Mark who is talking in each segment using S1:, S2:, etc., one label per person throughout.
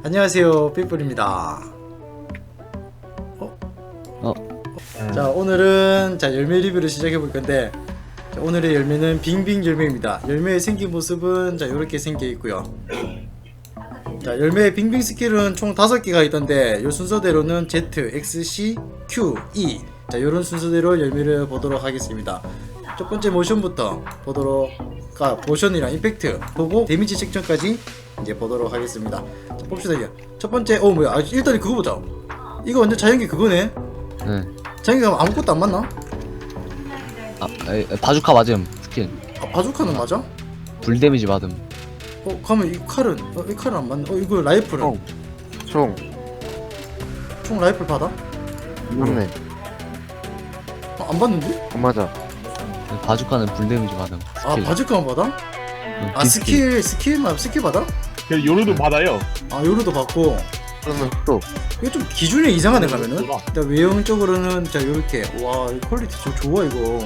S1: 안녕하세요, 삐뿔입니다. 자, 오늘은 열매 리뷰를 시작해 볼 건데, 자, 오늘의 열매는 빙빙 열매입니다. 열매의 생긴 모습은 이렇게 생겨 있고요. 자, 열매의 빙빙 스킬은 총 5개가 있던데, 이 순서대로는 Z, X, C, Q, E. 자, 요런 순서대로 열매를 보도록 하겠습니다. 첫 번째 모션부터 모션이랑 임팩트 보고 데미지 책정까지 이제 보도록 하겠습니다. 자, 봅시다. 이게 첫 번째, 일단 그거 보자. 이거 완전 자연계 그거네.
S2: 네.
S1: 자연계 가면 아무것도 안 맞나?
S2: 바주카 맞음 스킬.
S1: 바주카는 맞아?
S2: 불 데미지 맞음.
S1: 가면 이 칼은 안 맞네. 이거 라이플은
S3: 총
S1: 총 라이플 받아?
S3: 맞네.
S1: 안 받는데?
S3: 안 맞아.
S2: 바주카는 불 데미지 맞음 스킬.
S1: 바주카만 받아?
S2: 비스킬.
S1: 스킬 받아?
S4: 요로도 받아요.
S1: 요로도 받고.
S3: 그러면 또
S1: 이게 좀 기준이 이상하네 가면은. 일단 외형적으로는 요렇게. 와, 이 퀄리티 좋아 이거.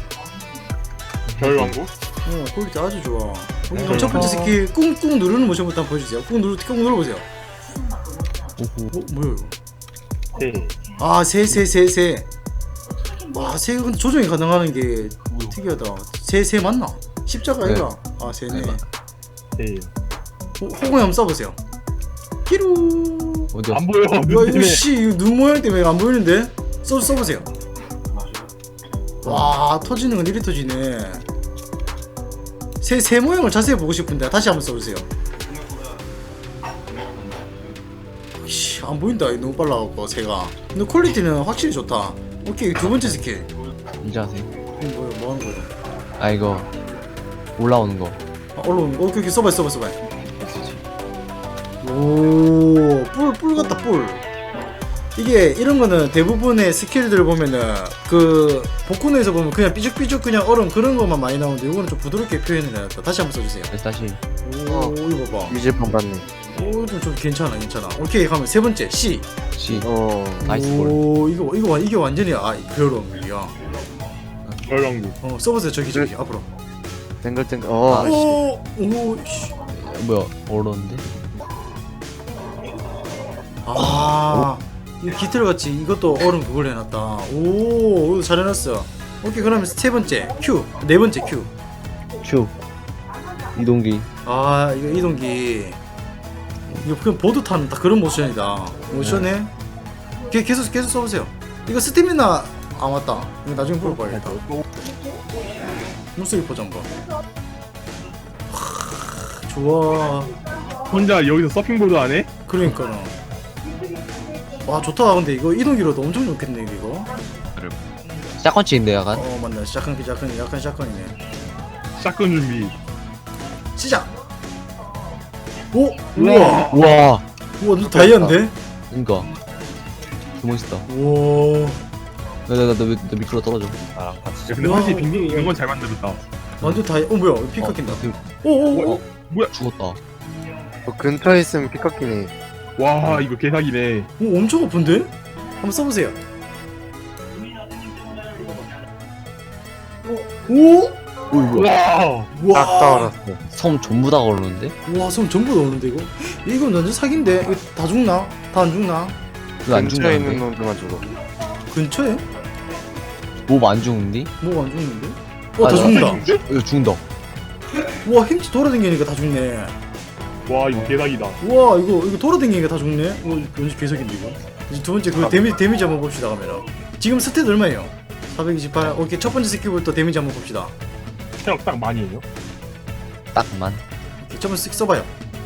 S4: 별왕국?
S1: 퀄리티 아주 좋아. 그럼 첫 번째 스킬 꾹꾹 누르는 모션부터 한번 보여주세요. 꾹 눌러보세요. 뭐야 이거?
S4: 네.
S1: 새. 와, 새가 근데 조정이 가능하는 게 특이하다. 새 맞나? 십자가
S2: 네.
S1: 아이가? 새네.
S4: 네.
S1: 호공이 한번 써보세요. 피루.
S2: 어디야?
S4: 안 보여.
S1: 야, 이거 이거 눈 모양 때문에 안 보이는데? 써보세요. 와, 터지는 건 이리 터지네. 새 모양을 자세히 보고 싶은데 다시 한번 써보세요. 안 보인다. 너무 빨라갖고 새가. 근데 퀄리티는 확실히 좋다. 오케이, 두 번째 스킬.
S2: 이제 하세요.
S1: 이거 뭐야? 뭐 하는 거야?
S2: 이거 올라오는 거.
S1: 얼른 오케이 써봐. 오, 뿔 같다 뿔. 이게 이런 거는 대부분의 스킬들 보면은 그 복근에서 보면 그냥 삐죽삐죽 그냥 얼음 그런 것만 많이 나오는데 이거는 좀 부드럽게 표현을 해놨다. 다시 한번 써주세요.
S2: 다시.
S1: 오, 이거 봐.
S3: 유지판 받네.
S1: 오, 좀 괜찮아. 오케이, 가면 세 번째 C.
S2: C. 나이스 볼.
S1: 오, 이게 완전히 별로야.
S4: 별왕국.
S1: 써보세요. 저기 앞으로.
S3: 땡글땡글.
S1: 오, 씨.
S2: 뭐야? 어려운데?
S1: 이 깃털같이 이것도 얼음 그걸 해놨다. 오, 이거 잘 해놨어. 오케이, 그러면 세 번째 Q, 네 번째 Q.
S2: Q. 이동기.
S1: 이거 이동기. 이거 그냥 보드 타는 딱 그런 모션이다. 모션에 계속 써보세요. 이거 스태미나 맞다. 이거 나중에 물어봐야겠다. 눈썹이 보자 한번. 좋아.
S4: 혼자 여기서 서핑보드 안 해?
S1: 그러니까는. 와, 좋다. 근데 이거 이동기로도 엄청 좋겠네 이거.
S2: 샷건치인데 약간.
S1: 맞네. 약간 샷건이네.
S4: 샷건 준비.
S1: 시작. 오, 우와,
S2: 우와.
S1: 너 다이아인데?
S2: 그니까. 그 멋있다.
S1: 우와,
S2: 너 미끄러 떨어져.
S4: 근데
S1: 와.
S4: 사실 빙빙 이런 건 잘 만들었다.
S1: 완전 다이아. 뭐야? 피카 낀다. 오.
S4: 뭐야?
S2: 죽었다.
S3: 근처에 있으면 피 깎이네.
S4: 와 이거 개사기네.
S1: 오, 엄청 아픈데? 한번 써보세요. 오,
S4: 와.
S1: 와,
S3: 딱 따라왔어.
S2: 섬 전부 다 걸르는데?
S1: 와, 손 전부 넣었는데 이거? 이건 완전 사기인데? 이거 다 죽나? 다 안 죽나?
S2: 이거 안
S3: 근처에 있는
S2: 죽는데?
S3: 놈들만 죽어.
S1: 근처에?
S2: 몹 안 죽는디?
S1: 뭐가 안 죽는데?
S2: 아,
S1: 다 죽는다.
S2: 이거 죽는다.
S1: 와, 힘치 돌아다니니까 다 죽네.
S4: 와 이거 개사기다.
S1: 와, 이거 돌아다니니까 다 죽네. 완전 개석인데 이거. 이제 두 번째 그 데미지 한번 봅시다 카메라. 지금 스탯 얼마예요? 428. 오케이, 첫 번째 스킬부터 데미지 한번 봅시다.
S4: 체력 딱 많이 해요.
S2: 딱만.
S1: 오케이, 첫 번째 쓱 써봐요.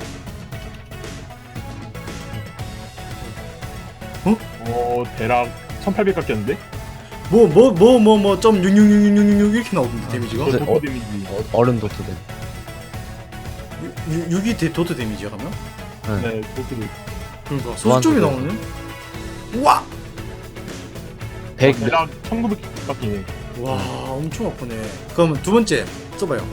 S4: 대략 1800 깎였는데?
S1: 점 66666 이렇게 나오던데 데미지가?
S2: 네.
S4: 도토 데미지.
S2: 얼음 도트된.
S1: 6이 도트 데미지야 그러면?
S4: 네 도토도.
S1: 그러니까 소수점이 나오네? 우와!
S2: 100.
S4: 대략 1900 깎이네.
S1: 와, 엄청 아프네. 그러면 두 번째 써봐요.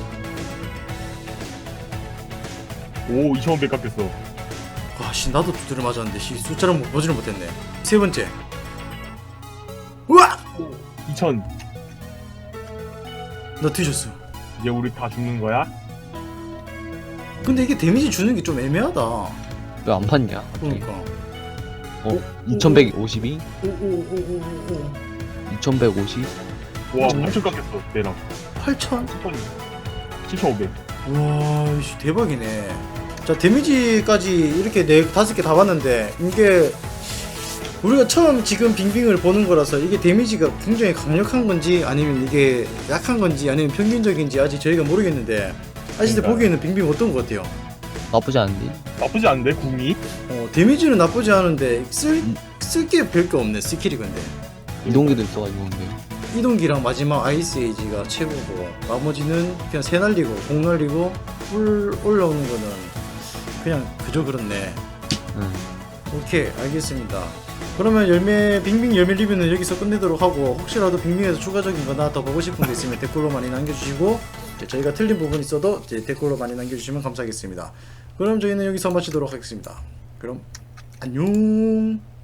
S4: 오 2500 깎였어.
S1: 와, 나도 두드려 맞았는데 숫자를 보지를 못했네. 세 번째. 우와!
S4: 2000.
S1: 나 뒤졌어.
S4: 이제 우리 다 죽는 거야?
S1: 근데 이게 데미지 주는 게 좀 애매하다.
S2: 왜 안 봤냐?
S1: 그러니까.
S2: 2152?
S1: 오오오오오.
S2: 2150?
S4: 와 8천 깎였어 얘랑
S1: 8천?
S4: 7,500.
S1: 와, 씨, 대박이네. 자, 데미지까지 이렇게 5개 다 봤는데, 이게, 우리가 처음 지금 빙빙을 보는 거라서 이게 데미지가 굉장히 강력한 건지, 아니면 이게 약한 건지, 아니면 평균적인지 아직 저희가 모르겠는데, 아직
S4: 그러니까요.
S1: 보기에는 빙빙 어떤 것 같아요?
S2: 나쁘지 않은데?
S4: 나쁘지 않은데 궁이?
S1: 데미지는 나쁘지 않은데, 쓸 게 별게 없네, 스킬이 근데.
S2: 이동기도 있어가지고 근데
S1: 이동기랑 마지막 아이스 에이지가 최고고, 나머지는 그냥 새 날리고, 공 날리고, 물 올라오는 거는 그냥 그저 그렇네.
S2: 응.
S1: 오케이, 알겠습니다. 그러면 열매 빙빙 열매 리뷰는 여기서 끝내도록 하고, 혹시라도 빙빙에서 추가적인 거나 더 보고 싶은 게 있으면 댓글로 많이 남겨주시고, 이제 저희가 틀린 부분 있어도 이제 댓글로 많이 남겨주시면 감사하겠습니다. 그럼 저희는 여기서 마치도록 하겠습니다. 그럼 안녕.